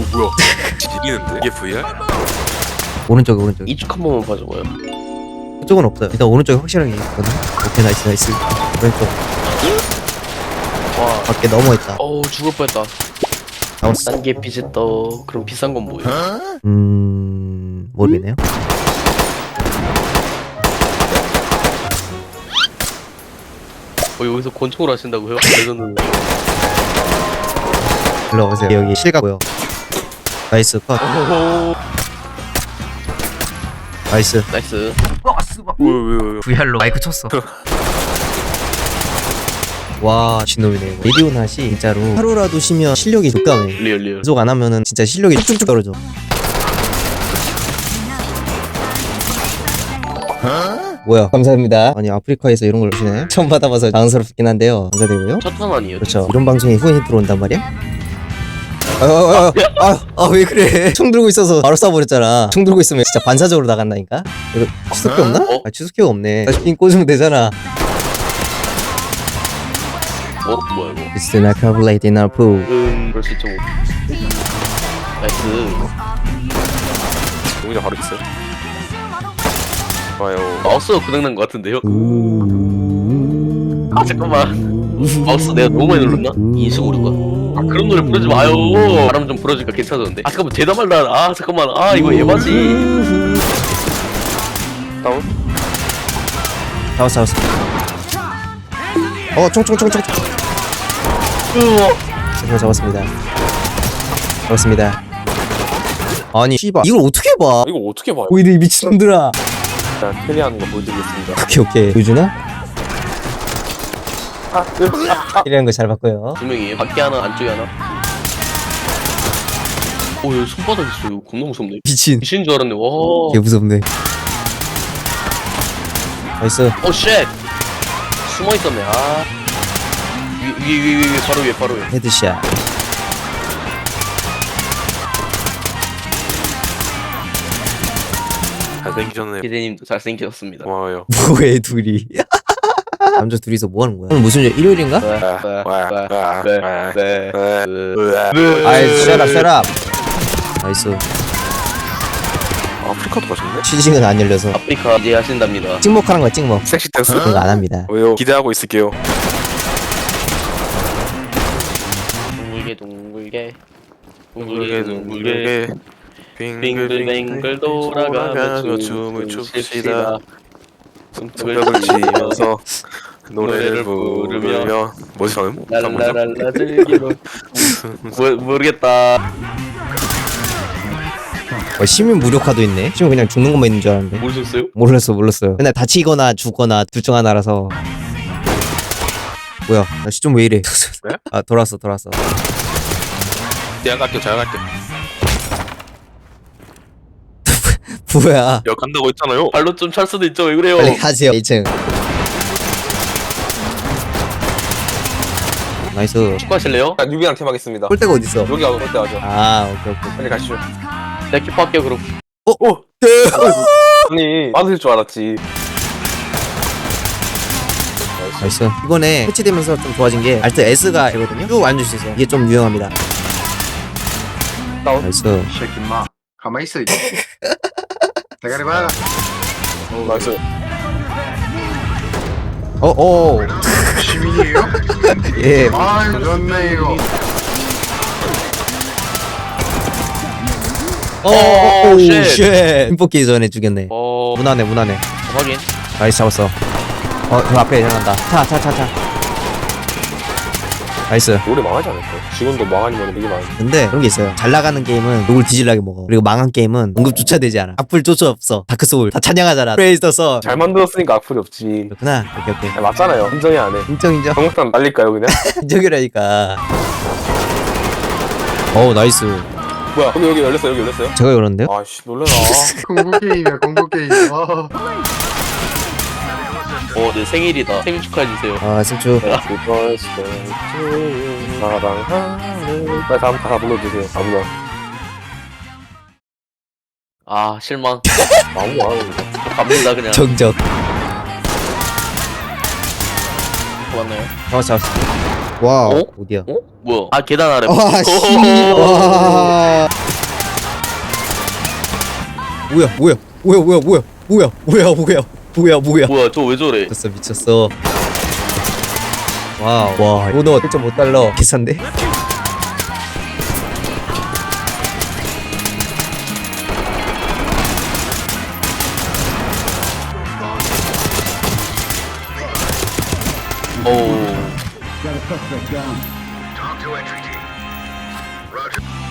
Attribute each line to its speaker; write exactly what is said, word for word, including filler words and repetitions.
Speaker 1: 뭐야? 지리는데? 이게 브이알?
Speaker 2: 오른쪽에 오른쪽.
Speaker 3: 이쪽 한 번만 봐줘봐요.
Speaker 2: 그쪽은 없어요. 일단 오른쪽에 확실하게 있거든. 오케이 나이스 나이스. 왼쪽
Speaker 3: 와,
Speaker 2: 밖에 넘어 있다.
Speaker 3: 어우 죽을 뻔했다.
Speaker 2: 나왔어.
Speaker 3: 싼 게 비쌌다. 그럼 비싼 건 뭐예요?
Speaker 2: 음 모르겠네요.
Speaker 3: 어 여기서 권총을 하신다고요? 레전드.
Speaker 2: 일로 오세요. 여기 실가고요. 나이스 컷.
Speaker 3: 오호.
Speaker 2: 나이스.
Speaker 3: 나이스.
Speaker 1: 왜왜왜
Speaker 2: 브이알로 마이크 쳤어. 와 진놈이네 이거. 레디오 낫이 진짜로 하루라도 쉬면 실력이 족감해.
Speaker 3: 리얼 리얼.
Speaker 2: 계속 안 하면은 진짜 실력이 쭉쭉 떨어져. 뭐야 감사합니다. 아니 아프리카에서 이런 걸 주시네. 처음 받아봐서 당황스럽긴 한데요. 감사드리고요.
Speaker 3: 첫판 아니에요?
Speaker 2: 그렇죠. 이런 방송에 후원이 들어온단 말이야? 아아아왜 그래? 총 들고 있어서 바로 쏴버렸잖아. 총 들고 있으면 진짜 반사적으로 나간다니까. 이거 취소키 없나?
Speaker 3: 어?
Speaker 2: 아 취소키가 없네. 다시 핀 꽂으면 되잖아.
Speaker 3: 어 뭐야 이거?
Speaker 2: It's not calculated in our pool.
Speaker 3: 음 그럴 수 있죠 뭐. 나이스.
Speaker 1: 동의자 바로 있어요? 좋아요.
Speaker 3: 마우스가 고장난 것 같은데요? 아 잠깐만. 마우스 내가 너무 많이 눌렀나? 인수고르가. 아 그런 노래 부르지 마요. 바람 좀 불어주니까 괜찮아졌는데. 아 잠깐만 대담할라. 아 잠깐만. 아 이거 에바지.
Speaker 1: 다운?
Speaker 2: 잡았어 잡았어. 어 총총총총.
Speaker 3: 우와.
Speaker 2: 제가 잡았습니다. 잡았습니다. 아니 씨발 이걸 어떻게 봐?
Speaker 1: 이거 어떻게 봐요?
Speaker 2: 오히려 이 미친놈들아.
Speaker 1: 일단 캐리하는 거 보여드리겠습니다.
Speaker 2: 오케이 오케이 보여주나? 이런 거 잘 봤고요.
Speaker 3: 두 명이에요. 밖에 하나 안쪽에 하나. 오 여기 손바닥 있어. 이거 겁나 무섭네.
Speaker 2: 미친.
Speaker 3: 귀신인 줄 알았네. 와.
Speaker 2: 개 무섭네. 나이스.
Speaker 3: 오 쉣. 숨어 있었네. 아. 위 위 위 위 바로 위에 바로 위에.
Speaker 2: 헤드샷.
Speaker 1: 잘생기셨네.
Speaker 3: 기대님도 잘생기셨습니다.
Speaker 1: 고마워요.
Speaker 2: 뭐해 둘이. 남자 둘이서 뭐 하는 거야? 오늘 무슨 일? 일요일인가?
Speaker 3: 네, 네,
Speaker 2: 아이 shut up shut up. 나이스.
Speaker 1: 아프리카도 가셨네?
Speaker 2: 취직은 안 열려서
Speaker 3: 아프리카 이제 하신답니다.
Speaker 2: 찍먹하는 거야 찍먹.
Speaker 1: 섹시 댄스?
Speaker 2: 그런 거 안 합니다.
Speaker 1: 왜요? 기대하고 있을게요.
Speaker 3: 둥글게 둥글게
Speaker 1: 둥글게 둥글게
Speaker 3: 빙글빙글 돌아가며 춤을 춥시다.
Speaker 1: 손뼉을 치면서 노래를 부르며 뭐지 방금?
Speaker 3: 랄랄랄라 즐기로. 모 모르겠다.
Speaker 2: 어, 시민 무력화도 있네. 시민 그냥 죽는 것만 있는 줄 알았는데.
Speaker 3: 모르셨어요?
Speaker 2: 몰랐어 몰랐어요. 맨날 다치거나 죽거나 둘 중 하나라서. 뭐야 나 시점 왜 이래?
Speaker 1: 네?
Speaker 2: 아 돌아왔어 돌아왔어.
Speaker 1: 제가 갈게요 제가 갈게요.
Speaker 2: 뭐야?
Speaker 1: 여 간다고 했잖아요.
Speaker 3: 발로 좀 찰 수도 있죠. 왜 그래요?
Speaker 2: 빨리 가세요 이 층. 나이스.
Speaker 3: 축구하실래요?
Speaker 1: 자, 뉴비랑 팀 하겠습니다.
Speaker 2: 볼 데가 어딨어?
Speaker 1: 여기 가고 볼 때 하죠.
Speaker 2: 아 오케이 오케이.
Speaker 1: 빨리 가시죠.
Speaker 3: 내가 키퍼할게요 그럼.
Speaker 2: 어?
Speaker 1: 오! 아니 맞을 줄 알았지.
Speaker 2: 나이스. 이번에 패치되면서 좀 좋아진 게 알트 S가 되거든요. 쭉 앉을 수 있어요. 이게 좀 유용합니다.
Speaker 1: 다운.
Speaker 2: 나이스.
Speaker 4: 새끼 마 가만히 있어 이제 대가리 봐라
Speaker 1: 나이스.
Speaker 2: 어, 어.
Speaker 4: 시민이에요?
Speaker 2: 예.
Speaker 4: 아유 좋네 이거
Speaker 2: 어,
Speaker 3: 오,
Speaker 2: 오,
Speaker 3: 쉣.
Speaker 2: 쉣. 힘 뽑기 전에 죽였네.
Speaker 3: 어
Speaker 2: 무난해, 무난해.
Speaker 3: 확인.
Speaker 2: 나이스 잡았어. 어, 저 앞에 일어난다. 차, 차, 차, 차. 나이스.
Speaker 1: 노래 망하지 않을까요? 지금도 망하니면 되게 많은데.
Speaker 2: 근데 그런 게 있어요. 잘 나가는 게임은 욕을 뒤질라게 먹어. 그리고 망한 게임은 언급조차 되지 않아. 악플조차 없어. 다크소울 다 찬양하잖아. 프레이즈 써.
Speaker 1: 잘 만들었으니까 악플이 없지.
Speaker 2: 그렇구나. 오케이, 오케이.
Speaker 1: 아, 맞잖아요. 인정이 안 해.
Speaker 2: 인정, 인정.
Speaker 1: 정국당 날릴까요 그냥?
Speaker 2: 인정이라니까. 어우, 나이스.
Speaker 1: 뭐야? 근데 여기 열렸어요. 여기 열렸어요?
Speaker 2: 제가 열었는데요?
Speaker 1: 아씨 놀래라.
Speaker 4: 공부 게임이야 공부 게임 아.
Speaker 3: 어내 생일이다. 생일 축하해주세요.
Speaker 2: 아, 승추.
Speaker 1: 사랑하는. 빨리 다음 가사 불러주세요. 아무나.
Speaker 3: 아 실망.
Speaker 1: 아무나.
Speaker 3: 갑니다 그냥.
Speaker 2: 정적.
Speaker 3: 좋았나요?
Speaker 2: 잡았어 잡았어 와
Speaker 3: 어?
Speaker 2: 어디야
Speaker 3: 어? 뭐야? 아 계단 아래.
Speaker 2: 와씨
Speaker 3: 오호호.
Speaker 2: 와 뭐야 뭐야 뭐야 뭐야 뭐야 뭐야 뭐야 뭐야 뭐야 뭐야
Speaker 3: 뭐야 저 왜 저래?
Speaker 2: 미쳤어 미쳤어 와우 와 오너 일 점 오 달러 개싼데?
Speaker 3: 오.
Speaker 5: Got a suspect down. Talk to entry team. Roger.